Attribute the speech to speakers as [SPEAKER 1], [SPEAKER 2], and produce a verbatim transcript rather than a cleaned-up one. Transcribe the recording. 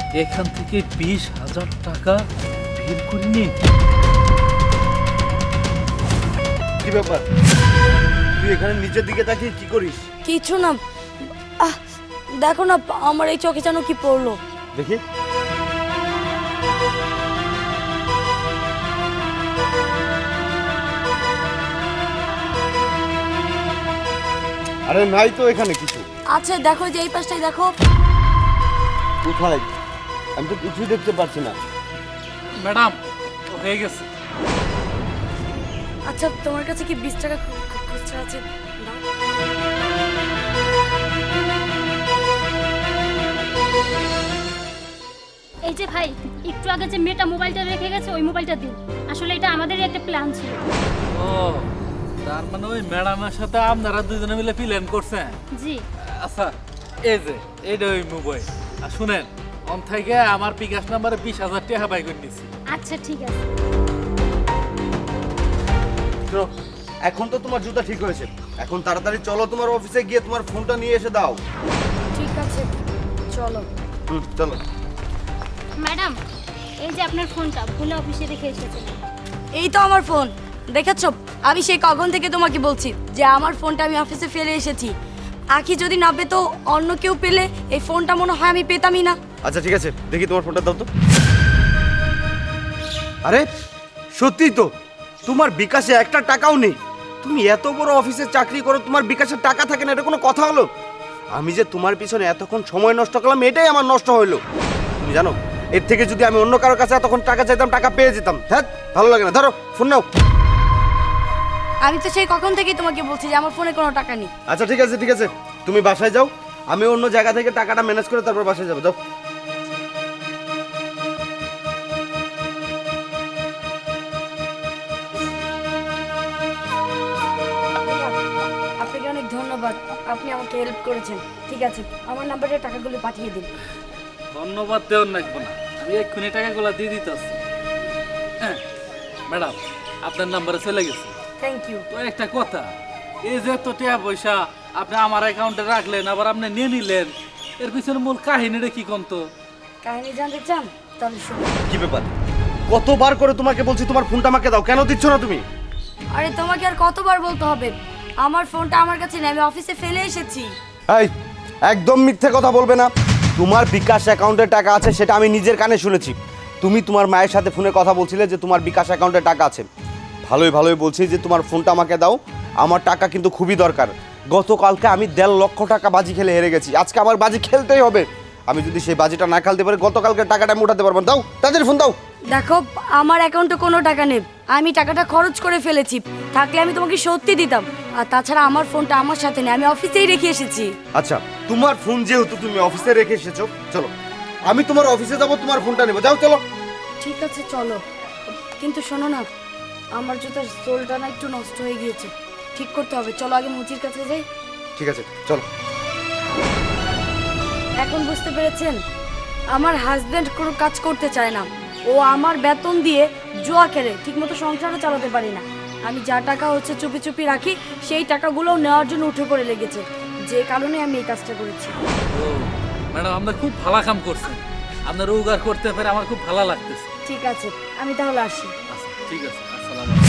[SPEAKER 1] এখান থেকে বিশ হাজার টাকা বের করে নিন।
[SPEAKER 2] কি ব্যাপার, তুই এখানে নিচের দিকে তাকিয়ে কি করিস?
[SPEAKER 3] কিছু না। আহ দেখো না, আমার এই চোখে যেন কি পড়লো।
[SPEAKER 2] দেখি। আরে নাই তো এখানে কিছু।
[SPEAKER 3] আচ্ছা দেখো, যে এই পাশটাই দেখো।
[SPEAKER 2] কোথায়? আমি তো কিছুই দেখতে পাচ্ছি না।
[SPEAKER 1] ম্যাডাম, হয়ে গেছে।
[SPEAKER 3] আচ্ছা তোমার কাছে কি বিশ টাকা খু- খু- খুচরা আছে? দাও।
[SPEAKER 4] এই যে ভাই, একটু আগে যে মেয়েটা মোবাইলটা রেখে গেছে ওই মোবাইলটা দিন। আসলে এটা আমাদেরই একটা প্ল্যান ছিল।
[SPEAKER 1] ও, তার মানে ওই ম্যাডামের সাথে আপনারা দুজনে মিলে প্ল্যান করছেন?
[SPEAKER 4] জি।
[SPEAKER 1] আচ্ছা, এই যে এইটা ওই মোবাইল। আর শুনেন, অন থেকে আমার বিকাশ নাম্বারে বিশ হাজার টাকা বাই করে নিচ্ছি।
[SPEAKER 4] আচ্ছা ঠিক আছে।
[SPEAKER 2] শোনো, এখন তো তোমার জুতা ঠিক হয়েছে, এখন তাড়াতাড়ি চলো তোমার অফিসে গিয়ে তোমার ফোনটা নিয়ে এসে দাও।
[SPEAKER 3] ঠিক আছে চলো।
[SPEAKER 2] হুম, চলো।
[SPEAKER 4] ম্যাডাম, এই যে আপনার ফোনটা ভুলে অফিসে রেখে এসেছেন।
[SPEAKER 3] এই তো আমার ফোন, দেখেছো? আমি সেই কখন থেকে তোমাকে বলছি যে আমার ফোনটা আমি অফিসে ফেলে এসেছি। আখি যদি না পেতো, অন্য কেউ পেলে এই ফোনটা মনে হয় আমি পেতামই না।
[SPEAKER 2] আচ্ছা ঠিক আছে, দেখি তোমার ফোনটা দাও তো। আরে সত্যিই তো, তোমার বিকাশে একটা টাকাও নেই। তুমি এত বড় অফিসে চাকরি করো, তোমার বিকাশের টাকা থাকে না, এটা কোনো কথা হলো? আমি যে তোমার পিছনে এতক্ষণ সময় নষ্ট করলাম, এটাই আমার নষ্ট হইলো। তুমি জানো, এর থেকে যদি আমি অন্য কারোর কাছে এতক্ষণ টাকা চাইতাম, টাকা পেয়ে যেতাম। হ্যাঁ, ভালো লাগে না। ধরো ফোন নাও।
[SPEAKER 3] আমি তো সেই কখন থেকেই তোমাকে বলছি যে আমার ফোনে কোনো টাকা নেই।
[SPEAKER 2] আচ্ছা ঠিক আছে ঠিক আছে, তুমি বাসায় যাও, আমি অন্য জায়গা থেকে টাকাটা ম্যানেজ করে তারপর বাসায় যাবো। যাও।
[SPEAKER 3] আপনাকে অনেক ধন্যবাদ, আপনি আমাকে হেল্প করেছেন। ঠিক আছে, আমার নাম্বারে টাকাগুলো পাঠিয়ে দিন।
[SPEAKER 1] ধন্যবাদ দেওয়ার লাগবে না, আমি এক্ষুনি টাকাগুলো দিয়ে দিতেছি। হ্যাঁ ম্যাডাম, আপনার নাম্বারে চলে গেছে।
[SPEAKER 3] Thank you.
[SPEAKER 1] তো একটা কথা, এই যে এত টাকা পয়সা আপনি আমার অ্যাকাউন্টে রাখলেন, আবার আপনি নিয়ে নিলেন, এর পিছনে মূল কাহিনীটা কি কোন তো?
[SPEAKER 3] কাহিনী জানতে চান? তাহলে শুনুন।
[SPEAKER 2] কি ব্যাপার, কতবার করে তোমাকে বলছি তোমার ফোনটা আমাকে দাও, কেন দিচ্ছ না তুমি?
[SPEAKER 3] আরে তোমাকে আর কতবার বলতে হবে, আমার ফোনটা আমার কাছে নেই, আমি অফিসে ফেলে এসেছি।
[SPEAKER 2] এই একদম মিথ্যে কথা বলবে না। তোমার বিকাশ অ্যাকাউন্টে টাকা আছে, সেটা আমি নিজের কানে শুনেছি। তুমি তোমার মায়ের সাথে ফোনে কথা বলছিলে যে তোমার বিকাশ অ্যাকাউন্টে টাকা আছে। ভালোই ভালোই বলছি যে তোমার ফোনটা আমাকে দাও, আমার টাকা কিন্তু খুবই দরকার। গতকালকে আমি দেড় লক্ষ টাকা বাজি খেলে হেরে গেছি, আজকে আমার বাজি খেলতেই হবে। আমি যদি সেই বাজিটা না খেলতে পারি, গতকালকে টাকাটা আমি উঠাতে পারবো না। দাও, তাদের ফোন দাও।
[SPEAKER 3] দেখো, আমার অ্যাকাউন্টে কোনো টাকা নেই, আমি টাকাটা খরচ করে ফেলেছি। থাকলে আমি তোমাকে সত্যি দিতাম। আর তাছাড়া আমার ফোনটা আমার সাথে নেই, আমি অফিসেই রেখে এসেছি।
[SPEAKER 2] আচ্ছা, তোমার ফোন যেহেতু তুমি অফিসে রেখে এসেছো, চলো আমি তোমার অফিসে যাবো, তোমার ফোনটা নেবো। যাও চলো।
[SPEAKER 3] ঠিক আছে চলো, কিন্তু শোনো না, আমার জুতার সোলটা না একটু নষ্ট হয়ে গিয়েছে, ঠিক করতে হবে। চলো আগে মুচির কাছে যাই।
[SPEAKER 2] ঠিক আছে চলো।
[SPEAKER 3] এখন বুঝতে পেরেছেন, আমার হাজবেন্ড কোনো কাজ করতে চায় না, ও আমার বেতন দিয়ে জুয়া খেলে, ঠিকমতো সংসারও চালাতে পারি না। আমি যা টাকা হচ্ছে চুপি চুপি রাখি, সেই টাকাগুলোও নেওয়ার জন্য উঠে পড়ে লেগেছে, যে কারণে আমি এই কাজটা করেছি।
[SPEAKER 1] ও ম্যাডাম, আপনার খুব ভালো কাম করছেন, আপনার উপকার করতে পেরে আমার খুব ভালো লাগতেছে।
[SPEAKER 3] ঠিক আছে, আমি তাহলে আসি।
[SPEAKER 1] আচ্ছা ঠিক আছে, আসসালামু আলাইকুম।